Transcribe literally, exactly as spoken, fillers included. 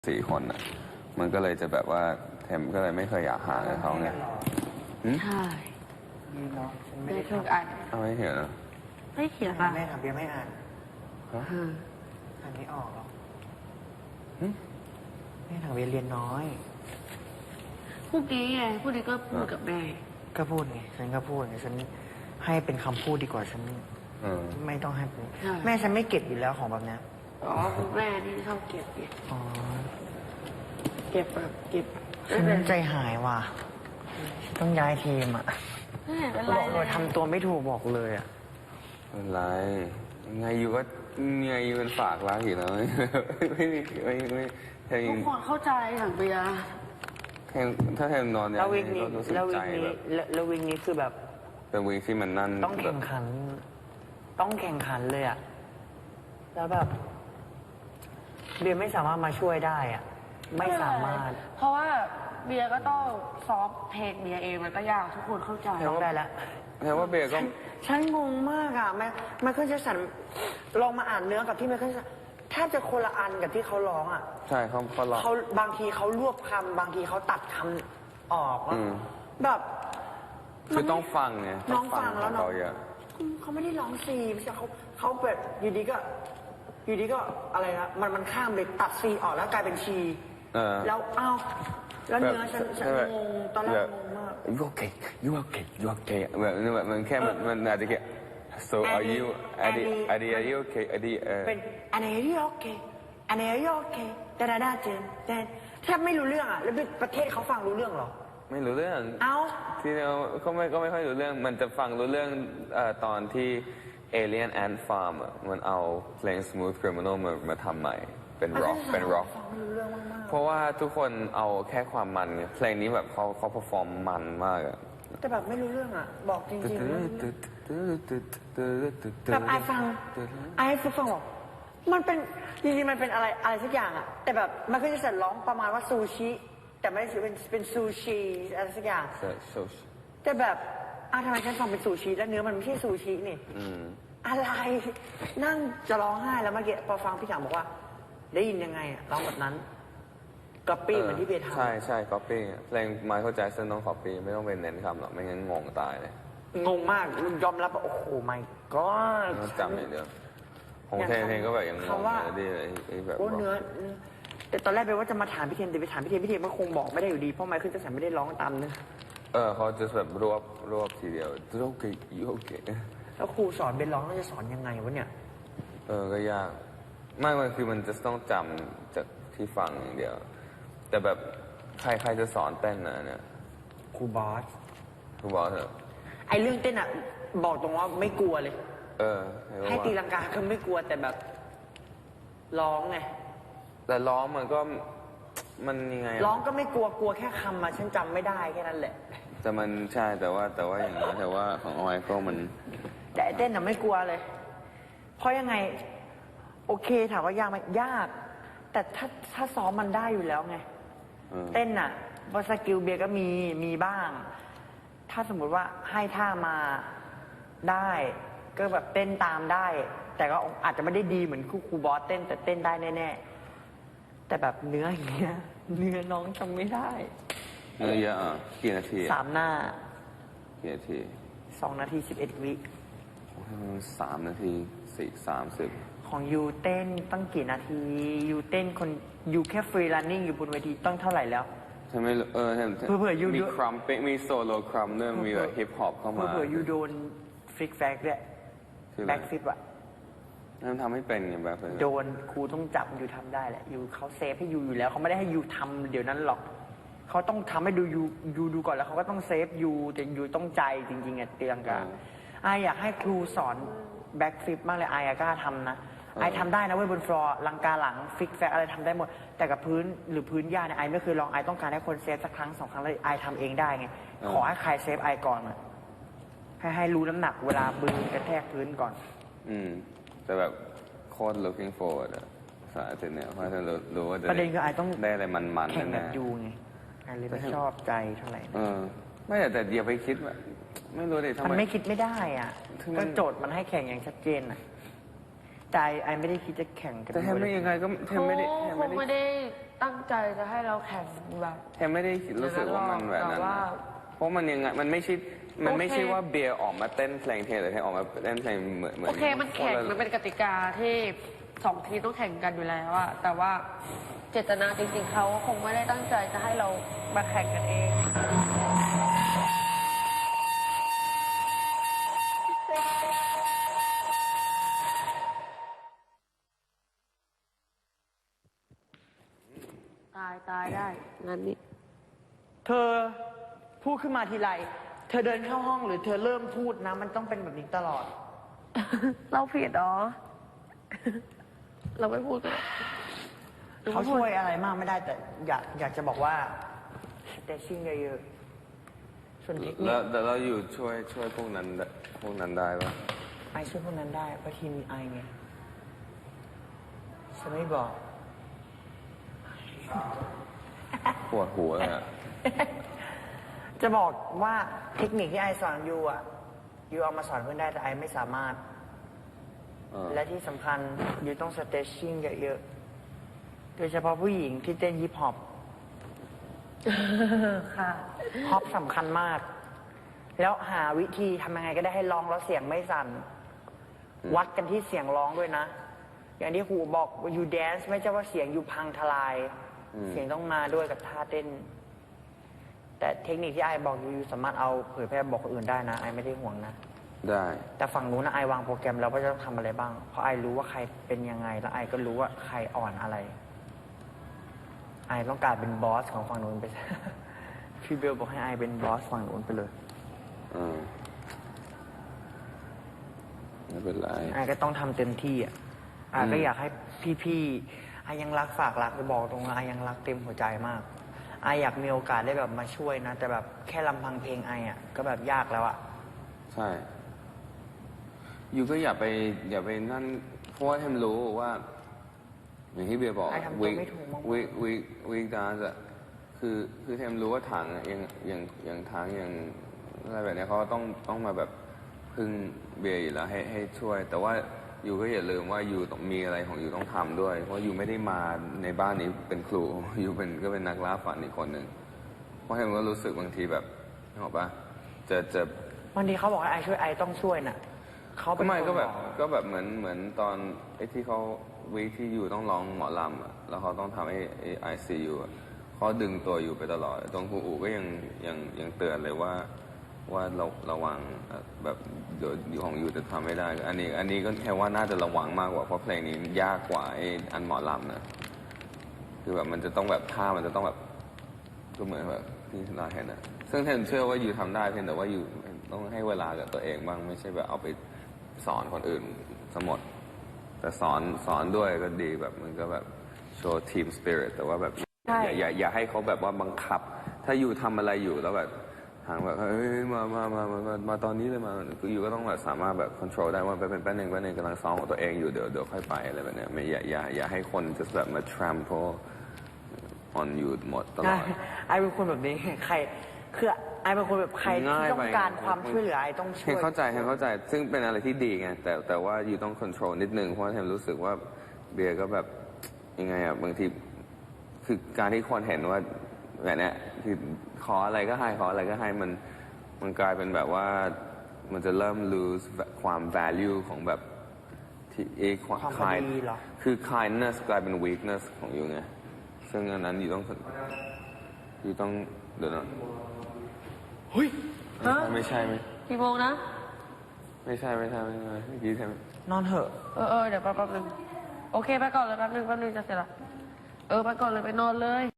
สี่คนอ่ะมันก็เลยจะแบบว่าเทมก็เลยไม่เคยอยากหากับเขาไงใช่ดีเนาะฉันไม่ได้ได้ทุกทำอันเอาไม่เห็นเหรอไม่เขียนอ่าอ่ะนไม่ทำเบียร์ไม่อ่านฮะอืมอ่านไม่ออกหรอกหึแม่ทางเบียร์เรียนน้อยพวกนี้ไงพวกนี้ก็พูดกับแม่ก็พูดไงฉันก็พูดไงฉันให้เป็นคำพูดดีกว่าฉันเออไม่ต้องให้เป็นแม่ฉันไม่เก็บอยู่แล้วของแบบเนี้ยอ๋อคุณแม่นี่ชอบเก็บเก็บอ๋อเก็บแบบเก็บฉันใจหายว่ะฉันต้องย้ายทีมอ่ะไม่เห็นเป็นบไรอกเลเลยยทำตัวไม่ถูกบอกเลยอ่ะไม่เป็นไรยังไงอยู่ก็ยังไงอยู่เป็นฝากรักอยู่แล้ว ไม่มีไม่ไม่แททุงกคนเข้าใจถังเบียร์แทงถ้าแทงนอนเนี่แล้วยวิกนี้ก็รู้สึกแล้ววิใจกนี้แบบแล้วแล้ววิกนี้คือแบบเป็นวีคที่มันนั่นต้องแข่งขัน ต้องแข่งขันเลยอ่ะแล้วแบบเบียร์ไม่สามารถมาช่วยได้อ่ะไม่สามารถเพราะว่าเบียร์ก็ต้องซ้อมเพลงเบียร์เองมันก็ยากทุกคนเข้าใจร้องได้แล้วแทงว่าเบย์ก็ฉันงงมากอ่ะแม่ไมเคิลแจ็คสันลองมาอ่านเนื้อกับที่ไมเคิลแจ็คสันแทบจะคนละอันกับที่เขาร้องอ่ะใช่เขาเขาลองเขาบางทีเขารวบคำบางทีเขาตัดคำออกอะอืมแบบคือต้องฟังไงน้องฟังแล้วขเนาะเขาเยอะเขาไม่ได้ร้องซีไม่ใช่เขาเขาแบบอยู่ดีก็ อยู่ดีก็อะไรนะมันมันข้ามเลยตัดซีออกแล้วกลายเป็นชีเออแล้วอ้าวแล้วเนื้อฉันฉันแบบงงตอนแรกงงมาก you okay you okay you okay แบบแบบมันแค่มันมันอาจจะแค่ so are you อดีอดี are you okay อดีเออเป็นอันไหนที่โอเคอันไหนที่โอเคแต่ดาดาเจนแต่แทบไม่รู้เรื่องอ่ะแล้วประเทศเขาฟังรู้เรื่องเหรอไม่รู้เรื่องเอ้าที่เราก็ไม่ก็ไม่ค่อยรู้เรื่อง มันจะฟังรู้เรื่องเอ่อตอนที่ Alien Ant Farm อะมันเอาเพลง Smooth Criminal มามาทำใหม่ เป็น rock เป็น rock ฟังไม่รู้เรื่องมากเพราะว่าทุกคนเอาแค่ความมันไงเพลงนี้แบบเขาเขา perform มันมากอะๆแต่แบบไม่รู้เรื่องอ่ะ บอกจริงๆไม่รู้เรื่องแบบไอฟังไอฟังบอกมันเป็นจริงๆมันเป็นอะไรอะไรสักอย่างอ่ะ แต่แบบมันก็จะเสร็จร้องประมาณว่าซูชิแต่ไม่ได้เป็นเป็นซูชิอะไรสักอย่างใช่ใช่แต่แบบอ้าวทำไมฉันฟังเป็นซูชิแล้วเนื้อมันไม่ใช่ซูชินี่อืมอะไร นั่งจะร้องไห้แล้วเมื่อกี้พอฟังพี่ถามบอกว่า ได้ยินยังไงอะร้องแบบนั้นก๊อปปี้เหมือนที่เบทำใช่ใช่ copy เพลง Michael Jackson ต้อง copy ไม่ต้องเป็นเน้นคำหรอกไม่งั้นงงตายเลยงงมากยอมรับว่าโอ้โหไม่ก็ต้องจำอย่างเดียวของเทนเทนก็แบบยังงงคำว่าเลยดิไอ้แบบโอ้เนื้อเนื้อแต่ตอนแรกไปว่าจะมาถามพี่เทนแต่ไปถามพี่เทนพี่เทนมันคงบอกไม่ได้อยู่ดีเพราะไมเคิลแจ็คสันไม่ได้ร้องตามเนื้อเออเขาจะแบบรวบรวบทีเดียวโอเคโอเคแล้วครูสอนเป็นร้องแล้วจะสอนยังไงวะเนี่ยเออก็ยากไม่มันคือมันจะต้องจำจากที่ฟังอย่างเดียว แต่แบบใครใครจะสอนเต้นนะเนี่ยครูบอสคุณบอกเถอะไอเรื่องเต้นอ่ะบอกตรงว่าไม่กลัวเลยเออให้ตีลังกาก็ไม่กลัวแต่แบบร้องไงแต่ร้องมันก็มันยังไงอะร้องก็ไม่กลัวกลัวแค่คำมาฉันจำไม่ได้แค่นั้นแหละแต่มันใช่แต่ว่าแต่ว่าอย่างนี้แต่ว่าของออยก็มันแต่ไอ้เต้นน่ะไม่กลัวเลย เพราะยังไง โอเคถามว่ายากไหมยาก แต่ถ้าถ้าซ้อมมันได้อยู่แล้วไงเออเต้นน่ะว่าสกิลเบียร์ก็มีมีบ้าง ถ้าสมมุติว่าให้ท่ามาได้ ก็แบบเต้นตามได้ แต่ก็อาจจะไม่ได้ดีเหมือนครูครูบอสเต้นแต่เต้นได้แน่ๆแต่แบบเนื้ออย่างเงี้ยเนื้อน้องจำไม่ได้เนื้อเยอะอ่ะกี่นาทีสามหน้ากี่นาทีสองนาทีสิบเอ็ดวิโอ้โหสามนาทีสี่สามสิบของยูเต้นตั้งกี่นาทียูเต้นคนยูแค่ฟรีรันนิ่งอยู่บนเวทีต้องเท่าไหร่แล้วใช่ไหมเออใช่เผื่อๆอยู่มีครัมเป๊มีโซโล่ครัมด้วยมีแบบฮิปฮอปเข้ามาเผื่อๆยูโดนฟลิกแฟกด้วยคืออะไรแบ็กฟิปอะนั่นทำให้เป็นไงแบบโดนครูต้องจับยูทำได้แหละยูเขาเซฟให้ยูอยู่แล้วเขาไม่ได้ให้ยูทำเดี๋ยวนั้นหรอกเขาต้องทำให้ดูยูยูดูก่อนแล้วเขาก็ต้องเซฟยูแต่ยูต้องใจจริงๆอะตีลังกาไออยากให้ครูสอนแบ็กฟิปมากเลยไออยากกล้าทำนะไอทำได้นะเว้ยบนฟลอร์ลังกาหลังฟิกแฟกอะไรทำได้หมดแต่กับพื้นหรือพื้นหญ้าเนี่ยไอไม่เคยลองไอต้องการให้คนเซฟสักครั้งสองครั้งแล้วไอทำเองได้ไงขอให้ใครเซฟไอก่อนอะให้ให้รู้น้ำหนักเวลามือกระแทกพื้นก่อนอืมแต่แบบโคตร looking forward อะสาธิตเนี่ยเพราะฉันรู้รู้ว่าจะประเด็นคือไอต้องได้อะไรมันๆแข่งแบบแน่ๆยูไงไอเลยไม่ชอบใจเท่าไหร่เออไม่แต่แต่อย่าไปคิดว่าไม่รู้ดิทำมันไมไม่คิดไม่ได้อ่ะคือมันก็โจทย์มันให้แข่งอย่างชัดเจนอ่ะแต่ไอไอไม่ได้คิดจะแข่งกันแต่แทมไม่ยังไงก็แทมไม่ได้แทมคไม่งได้ไม่ได้ตั้งใจจะให้เราแข่งแบบเทมไม่ได้รู้สึกว่ามันแบบนั้นแต่ว่านะเพราะมันยังไงมันไม่ใช่มันไม่ใช่โอเคว่าเบียร์ออกมาเต้นเพลงเทมแต่เทมออกมาเต้นเพลงเหมือนเหมือนโอเคมันแข่งคละมันเป็นกติกาที่สองทีมต้องแข่งกันอยู่แล้วอะแต่ว่าเจตนาจริงๆเขาคงไม่ได้ตั้งใจจะให้เรามาแข่งกันเอง ตายตายได้งั้นนี่เธอพูดขึ้นมาทีไร เธอเดินเข้าห้องหรือเธอเริ่มพูดนะ มันต้องเป็นแบบนี้ตลอดเราผิดเหรอ เราไม่พูดกันเขาช่วยอะไรมากไม่ได้แต่อยากอยากจะบอกว่าแต่ชิ่งเยอะๆส่วนเทคนิแล้วคแต่เราอยู่ช่วยช่วยพวกนั้นได้พวกนั้นได้ปะไอช่วยพวกนั้นได้เพราะทีมมีไอไงฉันไม่บอกปวดหัวเลยอะจะบอกว่าเทคนิคที่ไอสอนยูอ่ะยูเอามาสอนเพื่อนได้แต่ไอไม่สามารถเออและที่สำคัญยูต้องสเตชชิ่งเยอะๆ โดยเฉพาะผู้หญิงที่เต้นฮิปฮอปค่ะฮอปสำคัญมาก แล้วหาวิธีทำยังไงก็ได้ให้ร้องแล้วเสียงไม่สั่น วัดกันที่เสียงร้องด้วยนะ อย่างที่ครูบอกยูแดนซ์ไม่ใช่ว่าเสียงยูพังทลาย เสียงต้องมาด้วยกับท่าเต้น แต่เทคนิคที่ไอบอกยูยูสามารถเอาเผยแพร่บอกคนอื่นได้นะไอไม่ได้ห่วงนะได้แต่ฝั่งนู้นนะไอวางโปรแกรมแล้วว่าจะต้องทำอะไรบ้าง เพราะไอรู้ว่าใครเป็นยังไง แล้วไอก็รู้ว่าใครอ่อนอะไร ไอต้องการเป็นบอสของฝั่งนู้นไป พี่เบลบอกให้ไอเป็นบอสฝั่งนู้นไปเลยเออไม่เป็นไรไอก็ต้องทำเต็มที่อ่ะไอก็อยากให้พี่ๆไอยังรักฝากรักไปบอกตรงนะไอยังรักเต็มหัวใจมากไออยากมีโอกาสได้แบบมาช่วยนะ แต่แบบแค่ลำพังเพลงไออ่ะก็แบบยากแล้วอ่ะใช่ยูก็อย่าไปอย่าไปนั่นเพราะว่าเทมรู้ว่า อย่างที่เบียร์บอกไอ้ทำตัวไม่ถูกมากๆวิวิวิกดานส์อะคือคือเทมรู้ว่าถังอะยังยังยังถังยังอะไรแบบเนี้ยเขาก็ต้องต้องมาแบบพึ่งเบียร์อยู่แล้วให้ให้ช่วย แต่ว่ายูก็อย่าลืมว่ายูต้องมีอะไรของยูต้องทำด้วย เพราะยูไม่ได้มาในบ้านนี้เป็นครูยูเป็นก็เป็นนักล่าฝันอีกคนหนึ่งเพราะเทมก็รู้สึกบางทีแบบนึกออกปะจะจะบางทีเขาบอกให้ไอช่วยไอต้องช่วยน่ะเขาก็เป็นไม่คนก็แบบอกก็แบบเหมือนเหมือนตอนไอ้ที่เขาวีคที่อยู่ต้องร้องหมอลำอะแล้วเขาต้องทำไอ้ไอซียูเขาดึงตัวอยู่ไปตลอดตรงครูอูก็ยังยังยังเตือนเลยว่าว่าเราระวังเอ่อแบบเดี๋ยวอยู่ของอยู่จะทำไม่ได้ อันนี้อันนี้ก็แค่ว่าน่าจะระวังมากกว่าเพราะเพลงนี้ยากกว่าไอ้อันหมอลำนะคือแบบมันจะต้องแบบท่ามันจะต้องแบบก็เหมือนแบบที่เราเห็นอะซึ่งเทนเชื่อว่าอยู่ทำได้เพียงแต่ว่าอยู่ต้องให้เวลากับตัวเองบ้างไม่ใช่แบบเอาไปสอนคนอื่นสมด แต่สอนสอนด้วยก็ดีแบบมันก็แบบโชว์ทีมสปิริตแต่ว่าแบบใช่อย่าอย่าอย่าให้เขาแบบว่าบังคับ ถ้าอยู่ทำอะไรอยู่แล้วแบบทางแบบเฮ้ยมามามามามามาตอนนี้เลยมาคืออยู่ก็ต้องแบบสามารถแบบควบคุมได้ว่าไปเป็นแป๊บนึงแป๊บนึงกำลังซ้อมของตัวเองอยู่เดี๋ยวเดี๋ยวค่อยไปอะไรแบบเนี้ยไม่อย่าอย่าอย่าให้คนจะแบบมา trample on อยู่หมดตลอใช่ดไอเป็นคนแบบนี้ ใครคือไอเป็นคนแบบใครที่ง่ายไปต้องการความช่วยเหลือไอต้องช่เห็วน ยเข้าใจเห็นเข้าใจ ซึ่งเป็นอะไรที่ดีไง แต่แต่ว่าอยู่ต้องควบคุมนิดนึง เพราะว่าเห็นรู้สึกว่าเบียร์ก็แบบยังไงอ่ะ บางทีคือการที่คนเห็นว่าแบบเนี้ยคือขออะไรก็ให้ ขออะไรก็ให้ มันมันกลายเป็นแบบว่ามันจะเริ่ม lose ความ value ของแบบที่เอความความพอดีเหรอคือ kindness กลายเป็น weakness ของอยู่ไง ซึ่งอันนั้นอยู่ต้องอยู่ต้องเดี๋ยวนะเฮ้ยไม่ใช่ไม่กี่โมงนะไม่ใช่ไม่ใช่ไม่ใช่เมื่อกี้ใช่ไหมนอนเถอะเออเออเดี๋ยวแป๊บนึงโอเคไปก่อนเลยแป๊บนึงแป๊บนึงจะเสร็จละเออไปก่อนเลยไปนอนเลย